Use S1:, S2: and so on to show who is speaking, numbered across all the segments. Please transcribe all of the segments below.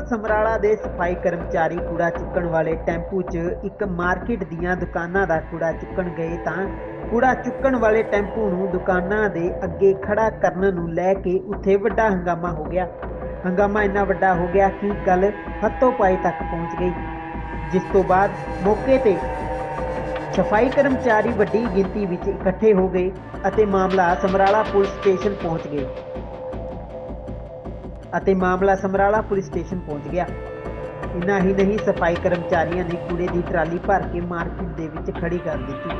S1: ਸਮਰਾਲਾ ਦੇ ਸਫਾਈ ਕਰਮਚਾਰੀ ਕੂੜਾ ਚੁੱਕਣ ਵਾਲੇ ਟੈਂਪੂ 'ਚ ਇੱਕ ਮਾਰਕੀਟ ਦੀਆਂ ਦੁਕਾਨਾਂ ਦਾ ਕੂੜਾ ਚੁੱਕਣ ਗਏ ਤਾਂ ਕੂੜਾ ਚੁੱਕਣ ਵਾਲੇ ਟੈਂਪੂ ਨੂੰ ਦੁਕਾਨਾਂ ਦੇ ਅੱਗੇ ਖੜਾ ਕਰਨ ਨੂੰ ਲੈ ਕੇ ਉੱਥੇ ਵੱਡਾ ਹੰਗਾਮਾ ਹੋ ਗਿਆ। ਹੰਗਾਮਾ ਇੰਨਾ ਵੱਡਾ ਹੋ ਗਿਆ ਕਿ ਗੱਲ ਹੱਥੋਂ-ਪਾਈ ਤੱਕ ਪਹੁੰਚ ਗਈ, ਜਿਸ ਤੋਂ ਬਾਅਦ ਮੌਕੇ ਤੇ ਸਫਾਈ ਕਰਮਚਾਰੀ ਵੱਡੀ ਗਿਣਤੀ ਵਿੱਚ ਇਕੱਠੇ ਹੋ ਗਏ ਅਤੇ ਮਾਮਲਾ ਸਮਰਾਲਾ ਪੁਲਿਸ ਸਟੇਸ਼ਨ ਪਹੁੰਚ ਗਿਆ। ਇੰਨਾ ਹੀ ਨਹੀਂ, ਸਫਾਈ ਕਰਮਚਾਰੀਆਂ ਨੇ ਕੂੜੇ ਦੀ ਟਰਾਲੀ ਭਰ ਕੇ ਮਾਰਕੀਟ ਦੇ ਵਿੱਚ ਖੜੀ ਕਰ ਦਿੱਤੀ।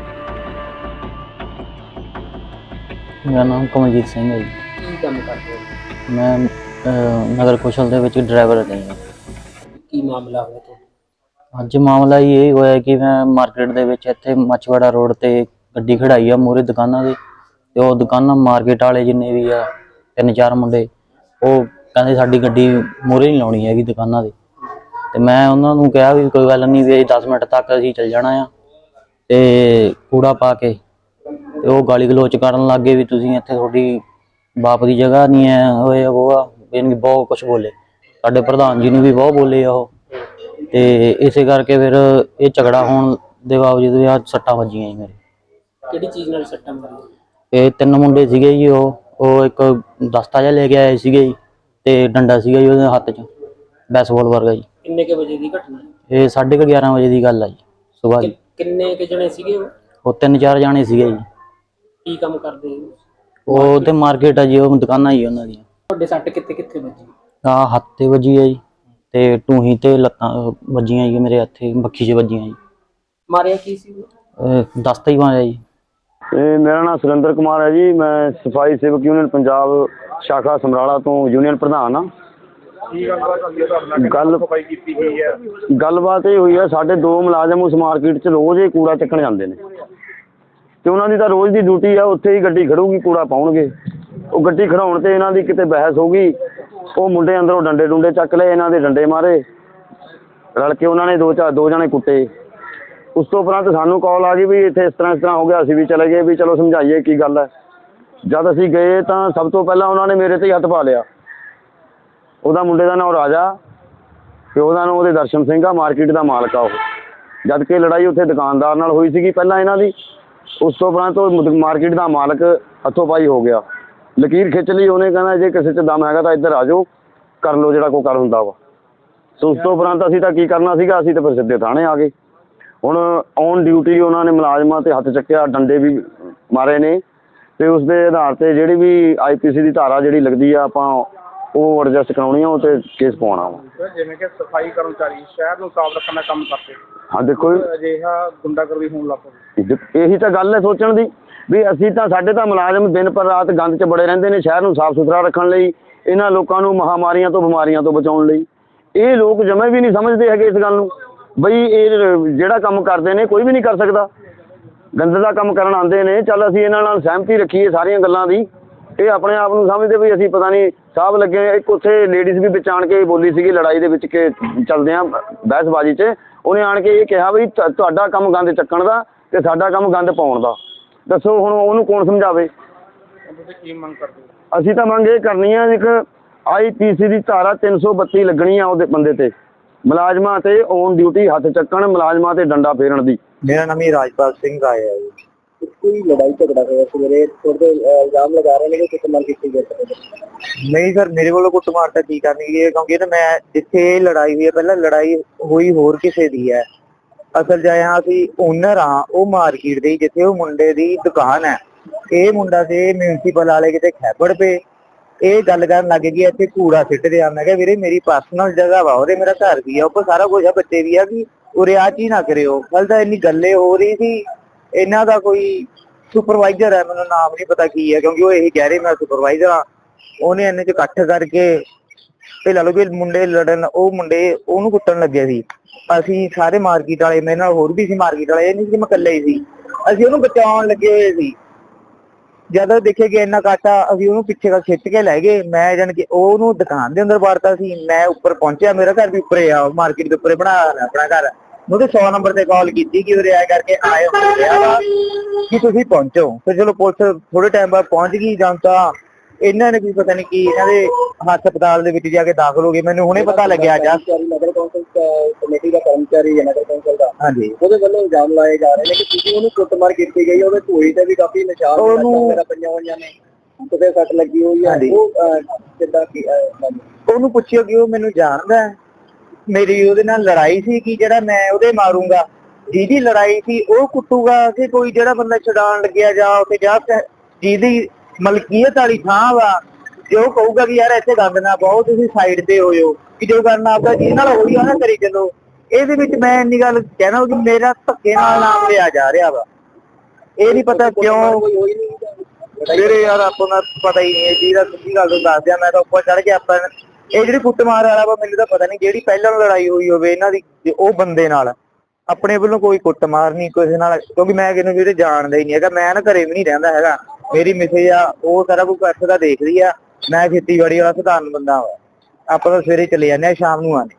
S2: ਮੇਰਾ ਨਾਮ ਕਮਲਜੀਤ ਸਿੰਘ ਹੈ ਜੀ।
S3: ਕੀ ਕੰਮ ਕਰਦੇ ਹੋ?
S2: ਮੈਂ ਨਗਰ ਕੌਸ਼ਲ ਦੇ ਵਿੱਚ ਡਰਾਈਵਰ ਹਾਂ।
S3: ਕੀ ਮਾਮਲਾ ਹੋਇਆ ਤੁਹਾਡਾ?
S2: ਅੱਜ ਮਾਮਲਾ ਇਹ ਹੋਇਆ ਕਿ ਮੈਂ ਮਾਰਕੀਟ ਦੇ ਵਿੱਚ ਇੱਥੇ ਮੱਛਵਾੜਾ ਰੋਡ ਤੇ ਗੱਡੀ ਖੜਾਈ ਆ ਮੂਹਰੇ ਦੁਕਾਨਾਂ ਦੇ, ਤੇ ਉਹ ਦੁਕਾਨਾਂ ਮਾਰਕੀਟ ਵਾਲੇ ਜਿੰਨੇ ਵੀ ਆ 3-4 ਮੁੰਡੇ ਉਹ ਕਹਿੰਦੇ ਸਾਡੀ ਗੱਡੀ ਮੂਹਰੇ ਨਹੀਂ ਲਾਉਣੀ ਹੈਗੀ ਦੁਕਾਨਾਂ ਦੇ। ਤੇ ਮੈਂ ਉਹਨਾਂ ਨੂੰ ਕਿਹਾ ਵੀ ਕੋਈ ਗੱਲ ਨਹੀਂ, ਵੀ 10 ਮਿੰਟ ਤੱਕ ਅਸੀਂ ਚੱਲ ਜਾਣਾ ਆ, ਤੇ ਕੂੜਾ ਪਾ ਕੇ ਤੇ ਉਹ ਗਾਲੀ ਗਲੋਚ ਕਰਨ ਲੱਗ ਗਏ ਵੀ ਤੁਸੀਂ ਇੱਥੇ ਤੁਹਾਡੀ ਬਾਪ ਦੀ ਜਗ੍ਹਾ ਨਹੀਂ ਹੈ, ਹੋਏ ਉਹ ਆ ਬਹੁਤ ਕੁਛ ਬੋਲੇ। ਸਾਡੇ ਪ੍ਰਧਾਨ ਜੀ ਨੂੰ ਵੀ ਬਹੁਤ ਬੋਲੇ ਆ ਉਹ, ਤੇ ਇਸੇ ਕਰਕੇ ਫਿਰ ਇਹ ਝਗੜਾ ਹੋਣ ਦੇ ਬਾਵਜੂਦ ਆ ਸੱਟਾਂ ਵੱਜੀਆਂ ਜੀ ਮੇਰੇ।
S3: ਕਿਹੜੀ ਚੀਜ਼ ਨਾਲ ਸੱਟਾਂ ਮਾਰੀਆਂ?
S2: ਇਹ 3 ਮੁੰਡੇ ਸੀਗੇ ਜੀ, ਉਹ ਇੱਕ ਦਸਤਾ ਜਿਹਾ ਲੈ ਕੇ ਆਏ ਸੀਗੇ ਜੀ, ਤੇ ਡੰਡਾ ਸੀਗਾ ਜੀ ਉਹਦੇ ਹੱਥ 'ਚ, ਬੈਸਬਾਲ ਵਰਗਾ ਜੀ।
S3: ਕਿੰਨੇ ਕੇ ਵਜੇ ਦੀ ਘਟਨਾ?
S2: ਇਹ 11:30 ਵਜੇ ਦੀ ਗੱਲ ਆ ਜੀ, ਸੁਬਾਹ ਜੀ।
S3: ਕਿੰਨੇ ਕੇ ਜਣੇ ਸੀਗੇ
S2: ਉਹ 3-4 ਜਾਣੇ ਸੀਗੇ ਜੀ।
S3: ਕੀ ਕੰਮ ਕਰਦੇ?
S2: ਉਹ ਤੇ ਮਾਰਕੀਟ ਆ ਜੀ, ਉਹ ਦੁਕਾਨਾਂ ਜੀ ਉਹਨਾਂ ਦੀਆਂ।
S3: ਤੁਹਾਡੇ ਸੱਟ ਕਿੱਥੇ ਕਿੱਥੇ ਵੱਜੀ?
S2: ਹੱਥ ਤੇ ਵੱਜੀ ਆ ਜੀ, ਤੇ ਟੂਹੀ ਤੇ ਲੱਤਾਂ ਵੱਜੀਆਂ ਜੀ, ਮੇਰੇ ਹੱਥੇ ਬੱਖੀ 'ਚ ਵੱਜੀਆਂ ਜੀ।
S3: ਮਾਰਿਆ ਕੀ ਸੀ?
S2: ਦਸਤਾ ਹੀ ਮਾਰਿਆ ਜੀ।
S4: ਮੇਰਾ ਨਾਮ ਸੁਰਿੰਦਰ ਕੁਮਾਰ ਹੈ ਜੀ। ਮੈਂ ਸਫਾਈ ਸੇਵਕ ਯੂਨੀਅਨ ਪੰਜਾਬ ਸ਼ਾਖਾ ਸਮਰਾਲਾ ਤੋਂ ਯੂਨੀਅਨ ਪ੍ਰਧਾਨ ਹਾਂ। ਗੱਲਬਾਤ ਇਹ ਹੋਈ ਹੈ, ਸਾਡੇ 2 ਮੁਲਾਜ਼ਮ ਉਸ ਮਾਰਕੀਟ 'ਚ ਰੋਜ਼ ਹੀ ਕੂੜਾ ਚੱਕਣ ਜਾਂਦੇ ਨੇ, ਤੇ ਉਹਨਾਂ ਦੀ ਤਾਂ ਰੋਜ਼ ਦੀ ਡਿਊਟੀ ਆ, ਉੱਥੇ ਹੀ ਗੱਡੀ ਖੜੂਗੀ, ਕੂੜਾ ਪਾਉਣਗੇ। ਉਹ ਗੱਡੀ ਖੜਾਉਣ ਤੇ ਇਹਨਾਂ ਦੀ ਕਿਤੇ ਬਹਿਸ ਹੋ ਗਈ, ਉਹ ਮੁੰਡੇ ਅੰਦਰੋਂ ਡੰਡੇ ਡੁੰਡੇ ਚੱਕ ਲਏ, ਇਹਨਾਂ ਦੇ ਡੰਡੇ ਮਾਰੇ, ਰਲ ਕੇ ਉਹਨਾਂ ਨੇ 2 ਜਣੇ ਕੁੱਟੇ। ਉਸ ਤੋਂ ਉਪਰੰਤ ਸਾਨੂੰ ਕਾਲ ਆ ਗਈ ਵੀ ਇੱਥੇ ਇਸ ਤਰ੍ਹਾਂ ਹੋ ਗਿਆ। ਅਸੀਂ ਵੀ ਚਲੇ ਗਏ ਵੀ ਚਲੋ ਸਮਝਾਈਏ ਕੀ ਗੱਲ ਹੈ। ਜਦ ਅਸੀਂ ਗਏ ਤਾਂ ਸਭ ਤੋਂ ਪਹਿਲਾਂ ਉਹਨਾਂ ਨੇ ਮੇਰੇ ਤੇ ਹੀ ਹੱਥ ਪਾ ਲਿਆ। ਉਹਦਾ ਮੁੰਡੇ ਦਾ ਨਾਮ ਰਾਜਾ, ਤੇ ਉਹਦਾ ਨਾਮ ਉਹਦੇ ਦਰਸ਼ਨ ਸਿੰਘ ਆ, ਮਾਰਕੀਟ ਦਾ ਮਾਲਕ ਆ ਉਹ। ਜਦ ਕਿ ਲੜਾਈ ਉੱਥੇ ਦੁਕਾਨਦਾਰ ਨਾਲ ਹੋਈ ਸੀਗੀ ਪਹਿਲਾਂ ਇਹਨਾਂ ਦੀ। ਉਸ ਤੋਂ ਉਪਰੰਤ ਉਹ ਮਾਰਕੀਟ ਦਾ ਮਾਲਕ ਹੱਥੋਂ ਪਾਈ ਹੋ ਗਿਆ, ਲਕੀਰ ਖਿੱਚ ਲਈ ਉਹਨੇ, ਕਹਿੰਦਾ ਜੇ ਕਿਸੇ 'ਚ ਦਮ ਹੈਗਾ ਤਾਂ ਇੱਧਰ ਆ ਜਾਓ, ਕਰ ਲਓ ਜਿਹੜਾ ਕੋਈ ਕਰ ਹੁੰਦਾ ਵਾ। ਸੋ ਉਸ ਤੋਂ ਉਪਰੰਤ ਅਸੀਂ ਤਾਂ ਕੀ ਕਰਨਾ ਸੀਗਾ, ਅਸੀਂ ਤਾਂ ਫਿਰ ਸਿੱਧੇ ਥਾਣੇ ਆ ਗਏ। ਹੁਣ ਔਨ ਡਿਊਟੀ ਉਹਨਾਂ ਨੇ ਮੁਲਾਜ਼ਮਾਂ ਤੇ ਹੱਥ ਚੱਕਿਆ, ਡੰਡੇ ਵੀ ਮਾਰੇ ਨੇ, ਤੇ ਉਸ ਦੇ ਆਧਾਰ ਤੇ ਜਿਹੜੀ ਵੀ IPC ਦੀ ਧਾਰਾ ਜਿਹੜੀ ਲੱਗਦੀ ਆ ਆਪਾਂ ਉਹ ਐਡਜਸਟ ਕਰਾਉਣੀ ਆ, ਉਹ ਤੇ ਕੇਸ ਪਾਉਣਾ ਵਾ।
S5: ਜਿਵੇਂ ਕਿ ਸਫਾਈ ਕਰਮਚਾਰੀ ਸ਼ਹਿਰ ਨੂੰ ਸਾਫ਼ ਰੱਖਣ ਦਾ ਕੰਮ ਕਰਦੇ,
S4: ਹਾਂ ਦੇਖੋ
S5: ਅਜਿਹਾ ਗੁੰਡਾਗਰਦੀ ਹੋਣ ਲੱਗ ਪਈ।
S4: ਇਹੀ ਤਾਂ ਗੱਲ ਹੈ ਸੋਚਣ ਦੀ ਵੀ ਅਸੀਂ ਤਾਂ, ਸਾਡੇ ਤਾਂ ਮੁਲਾਜ਼ਮ ਦਿਨ ਪਰ ਰਾਤ ਗੰਦ 'ਚ ਬੜੇ ਰਹਿੰਦੇ ਨੇ ਸ਼ਹਿਰ ਨੂੰ ਸਾਫ਼ ਸੁਥਰਾ ਰੱਖਣ ਲਈ, ਇਹਨਾਂ ਲੋਕਾਂ ਨੂੰ ਮਹਾਮਾਰੀਆਂ ਤੋਂ ਬਿਮਾਰੀਆਂ ਤੋਂ ਬਚਾਉਣ ਲਈ। ਇਹ ਲੋਕ ਜਮੇ ਵੀ ਨਹੀਂ ਸਮਝਦੇ ਹੈਗੇ ਇਸ ਗੱਲ ਨੂੰ, ਬਈ ਇਹ ਜਿਹੜਾ ਕੰਮ ਕਰਦੇ ਨੇ ਕੋਈ ਵੀ ਨਹੀਂ ਕਰ ਸਕਦਾ। ਗੰਦ ਦਾ ਕੰਮ ਕਰਨ ਆਉਂਦੇ ਨੇ, ਚੱਲ ਅਸੀਂ ਇਹਨਾਂ ਨਾਲ ਸਹਿਮਤੀ ਰੱਖੀਏ ਸਾਰੀਆਂ ਗੱਲਾਂ ਦੀ। ਇਹ ਆਪਣੇ ਆਪ ਨੂੰ ਸਮਝਦੇ ਵੀ ਅਸੀਂ ਪਤਾ ਨਹੀਂ ਸਾਹਬ ਲੱਗੇ। ਇੱਕ ਉੱਥੇ ਲੇਡੀਜ਼ ਵੀ ਵਿੱਚ ਆਣ ਕੇ ਬੋਲੀ ਸੀਗੀ ਲੜਾਈ ਦੇ ਵਿੱਚ ਕਿ ਚੱਲਦਿਆਂ ਬਹਿਸਬਾਜ਼ੀ 'ਚ, ਉਹਨੇ ਆਣ ਕੇ ਇਹ ਕਿਹਾ ਵੀ ਤੁਹਾਡਾ ਕੰਮ ਗੰਦ ਚੱਕਣ ਦਾ ਤੇ ਸਾਡਾ ਕੰਮ ਗੰਦ ਪਾਉਣ ਦਾ। ਦੱਸੋ ਹੁਣ ਉਹਨੂੰ ਕੌਣ ਸਮਝਾਵੇ?
S5: ਤੁਸੀਂ ਕੀ ਮੰਗ ਕਰਦੇ ਹੋ?
S4: ਅਸੀਂ ਤਾਂ ਮੰਗ ਇਹ ਕਰਨੀ ਆ, ਇੱਕ IPC ਦੀ ਧਾਰਾ 332 ਲੱਗਣੀ ਆ ਉਹਦੇ ਬੰਦੇ ਤੇ, ਮੁਲਾਜ਼ਮਾਂ ਤੇ ਔਨ ਡਿਊਟੀ ਹੱਥ ਚੱਕਣ, ਮੁਲਾਜ਼ਮਾਂ ਤੇ ਡੰਡਾ ਫੇਰਨ ਦੀ।
S6: ਮੇਰਾ ਨਾਮ ਹੀ ਰਾਜਪਾਲ ਸਿੰਘ ਆਇਆ ਹੈ ਜੀ। ਕੋਈ ਲੜਾਈ ਝਗੜਾ ਹੋਇਆ ਸਵੇਰੇ, ਥੋੜੇ ਇਲਜ਼ਾਮ ਲਗਾ ਰਹੇ ਨੇ ਕਿ ਕੁੱਟਮਾਰ ਕੀਤੀ ਗਈ। ਨਹੀਂ ਸਰ, ਮੇਰੇ ਕੋਲੋਂ ਕੁੱਟਮਾਰ ਤਾਂ ਕੀ ਕਰਨੀ ਹੈ, ਕਿਉਂਕਿ ਨਾ ਮੈਂ ਜਿੱਥੇ ਲੜਾਈ ਹੋਈ ਹੈ, ਪਹਿਲਾਂ ਲੜਾਈ ਹੋਈ ਹੋਰ ਕਿਸੇ ਦੀ ਹੈ। ਅਸਲ 'ਚ ਆਇਆ ਅਸੀਂ ਓਨਰ ਹਾਂ ਉਹ ਮਾਰਕੀਟ ਦੇ, ਜਿੱਥੇ ਉਹ ਮੁੰਡੇ ਦੀ ਦੁਕਾਨ ਹੈ। ਇਹ ਮੁੰਡਾ ਤੇ ਮਿਊਨਸੀਪਲ ਵਾਲੇ ਕਿਤੇ ਖੈਬੜ ਪਏ, ਇਹ ਗੱਲ ਕਰਨ ਲੱਗ ਗਈ ਇੱਥੇ ਕੂੜਾ ਸਿੱਟ ਰਿਹਾ। ਮੈਂ ਕਿਹਾ ਵੀਰੇ ਮੇਰੀ ਪਰਸਨਲ ਜਗ੍ਹਾ ਵਾ, ਉਹਦੇ ਮੇਰਾ ਘਰ ਵੀ ਆ, ਉੱਪਰ ਸਾਰਾ ਕੁਝ ਆ, ਬੱਚੇ ਵੀ ਆ, ਕਿ ਉਰੇ ਆਹ ਚੀਜ਼ ਨਾ ਕਰਿਓ। ਕੱਲ ਤਾਂ ਇੰਨੀ ਗੱਲੇ ਹੋ ਰਹੀ ਸੀ। ਇਹਨਾਂ ਦਾ ਕੋਈ ਸੁਪਰਵਾਈਜ਼ਰ ਹੈ, ਮੈਨੂੰ ਨਾਮ ਨਹੀਂ ਪਤਾ ਕੀ ਹੈ, ਕਿਉਂਕਿ ਉਹ ਇਹੀ ਕਹਿ ਰਹੇ ਮੈਂ ਸੁਪਰਵਾਈਜ਼ਰ ਹਾਂ। ਉਹਨੇ ਇਹਨੇ 'ਚ ਇਕੱਠ ਕਰਕੇ ਤੇ ਲਾ ਲਓ ਵੀ ਮੁੰਡੇ ਲੜਨ, ਉਹ ਮੁੰਡੇ ਉਹਨੂੰ ਕੁੱਟਣ ਲੱਗੇ ਸੀ। ਅਸੀਂ ਸਾਰੇ ਮਾਰਕੀਟ ਵਾਲੇ, ਮੇਰੇ ਨਾਲ ਹੋਰ ਵੀ ਸੀ ਮਾਰਕੀਟ ਵਾਲੇ, ਇਹ ਨਹੀਂ ਸੀ ਮੈਂ ਇਕੱਲਾ ਹੀ ਸੀ। ਅਸੀਂ ਉਹਨੂੰ ਬਚਾਉਣ ਲੱਗੇ ਹੋਏ ਸੀ। ਜਦ ਦੇਖੇ ਕਿ ਇੰਨਾ ਕਾਟਾ, ਅਸੀਂ ਉਹਨੂੰ ਪਿੱਛੇ ਦਾ ਖਿੱਚ ਕੇ ਲੈ ਗਏ। ਮੈਂ ਜਾਣ ਕੇ ਉਹਨੂੰ ਦੁਕਾਨ ਦੇ ਅੰਦਰ ਵਾੜਤਾ ਸੀ। ਮੈਂ ਉੱਪਰ ਪਹੁੰਚਿਆ, ਮੇਰਾ ਘਰ ਵੀ ਉੱਪਰੇ ਆ, ਮਾਰਕੀਟ ਦੇ ਉੱਪਰੇ ਬਣਾ ਆਪਣਾ ਘਰ। ਉਹਦੇ 100 ਨੰਬਰ ਤੇ ਕਾਲ ਕੀਤੀ ਕਿ ਉਰੇ ਆ ਕਰਕੇ ਆਏ ਹੋ ਕਿ ਤੁਸੀਂ ਪਹੁੰਚੋ। ਫਿਰ ਚਲੋ ਪੁਲਿਸ ਥੋੜੇ ਟਾਈਮ ਬਾਅਦ ਪਹੁੰਚ ਗਈ। ਜਾਂ ਤਾਂ ਇਹਨਾਂ ਨੇ ਵੀ ਪਤਾ ਨਹੀਂ ਕੀ, ਇਹਨਾਂ ਦੇ ਹਸਪਤਾਲ ਦੇ ਵਿੱਚ ਜਾ ਕੇ ਦਾਖਲ ਹੋ ਗਏ। ਮੈਨੂੰ ਹੁਣੇ ਪਤਾ ਲੱਗਿਆ ਜਸਟ ਨਗਰ ਕੌਂਸਲ ਕਮੇਟੀ ਦਾ ਕਰਮਚਾਰੀ ਹੈ ਨਗਰ ਕੌਂਸਲ ਦਾ, ਹਾਂਜੀ, ਉਹਦੇ ਵੱਲੋਂ ਇਲਜ਼ਾਮ ਲਾਏ ਜਾ ਰਹੇ ਨੇ ਕਿ ਤੁਸੀਂ ਉਹਨੂੰ ਕੁੱਟਮਾਰ ਕੀਤੀ ਗਈ, ਉਹਦੇ ਧੂਈ ਤੇ ਵੀ ਕਾਫੀ ਨਿਸ਼ਾਨ ਵਗੈਰਾ ਪਈਆਂ ਹੋਈਆਂ ਨੇ, ਕਿਤੇ ਸੱਟ ਲੱਗੀ ਹੋਈ ਹੈ। ਉਹ ਕਿੱਦਾਂ ਉਹਨੂੰ ਪੁੱਛਿਓ ਕਿ ਉਹ ਮੈਨੂੰ ਜਾਣਦਾ, ਮੇਰੀ ਉਹਦੇ ਨਾਲ ਲੜਾਈ ਸੀ ਕਿ ਜਿਹੜਾ ਮੈਂ ਉਹਦੇ ਮਾਰੂੰਗਾ, ਜਿਹਦੀ ਲੜਾਈ ਸੀ ਉਹ ਕੁੱਟੂਗਾ ਕਿ ਕੋਈ ਜਿਹੜਾ ਬੰਦਾ ਛਡਾਉਣ ਲੱਗਿਆ ਜਾਂ ਉੱਥੇ ਜਾ ਜਿਹਦੀ ਮਲਕੀਅਤ ਵਾਲੀ ਥਾਂ ਵਾ, ਜੇ ਉਹ ਕਹੂਗਾ ਕਿ ਯਾਰ ਇੱਥੇ ਗੰਦ ਨਾ ਪਾਓ, ਤੁਸੀਂ ਸਾਈਡ ਤੇ ਹੋ ਜਾਓ, ਕਿ ਜੋ ਕਰਨਾ ਆਪਦਾ ਜਿਹਦੇ ਨਾਲ ਹੋਈ ਆ ਨਾ ਕਰੀ ਚੱਲੋ। ਇਹਦੇ ਵਿੱਚ ਮੈਂ ਇੰਨੀ ਗੱਲ ਕਹਿਣਾ ਕਿ ਮੇਰਾ ਧੱਕੇ ਨਾਲ ਨਾਮ ਲਿਆ ਜਾ ਰਿਹਾ ਵਾ, ਇਹ ਨਹੀਂ ਪਤਾ ਕਿਉਂ। ਮੇਰੇ ਯਾਰ ਆਪਾਂ ਨੂੰ ਪਤਾ ਹੀ ਨਹੀਂ ਜੀ ਦਾ, ਸਿੱਧੀ ਗੱਲ ਤੋਂ ਦੱਸ ਦਿਆਂ, ਮੈਂ ਤਾਂ ਉੱਪਰ ਚੜ ਕੇ ਆਪਾਂ ਇਹ ਜਿਹੜੀ ਕੁੱਟਮਾਰ ਵਾਲਾ ਵਾ ਮੈਨੂੰ ਤਾਂ ਪਤਾ ਨਹੀਂ, ਜਿਹੜੀ ਪਹਿਲਾਂ ਲੜਾਈ ਹੋਈ ਹੋਵੇ ਇਹਨਾਂ ਦੀ ਉਹ ਬੰਦੇ ਨਾਲ, ਆਪਣੇ ਵੱਲੋਂ ਕੋਈ ਕੁੱਟਮਾਰ ਨਹੀਂ ਕਿਸੇ ਨਾਲ, ਕਿਉਂਕਿ ਮੈਂ ਕਿਸੇ ਨੂੰ ਜਿਹੜੇ ਜਾਣਦਾ ਹੀ ਨਹੀਂ ਹੈਗਾ। ਮੈਂ ਨਾ ਘਰੇ ਵੀ ਨਹੀਂ ਰਹਿੰਦਾ ਹੈਗਾ, ਮੇਰੀ ਮਿਸੇਜ ਆ ਉਹ ਸਾਰਾ ਕੁਝ ਇੱਥੇ ਦਾ ਦੇਖਦੀ ਆ, ਮੈਂ ਖੇਤੀਬਾੜੀ ਵਾਲਾ ਸਧਾਰਨ ਬੰਦਾ ਵਾ, ਆਪਾਂ ਤਾਂ ਸਵੇਰੇ ਚਲੇ ਜਾਂਦੇ ਆ, ਸ਼ਾਮ ਨੂੰ ਆਉਂਦੇ।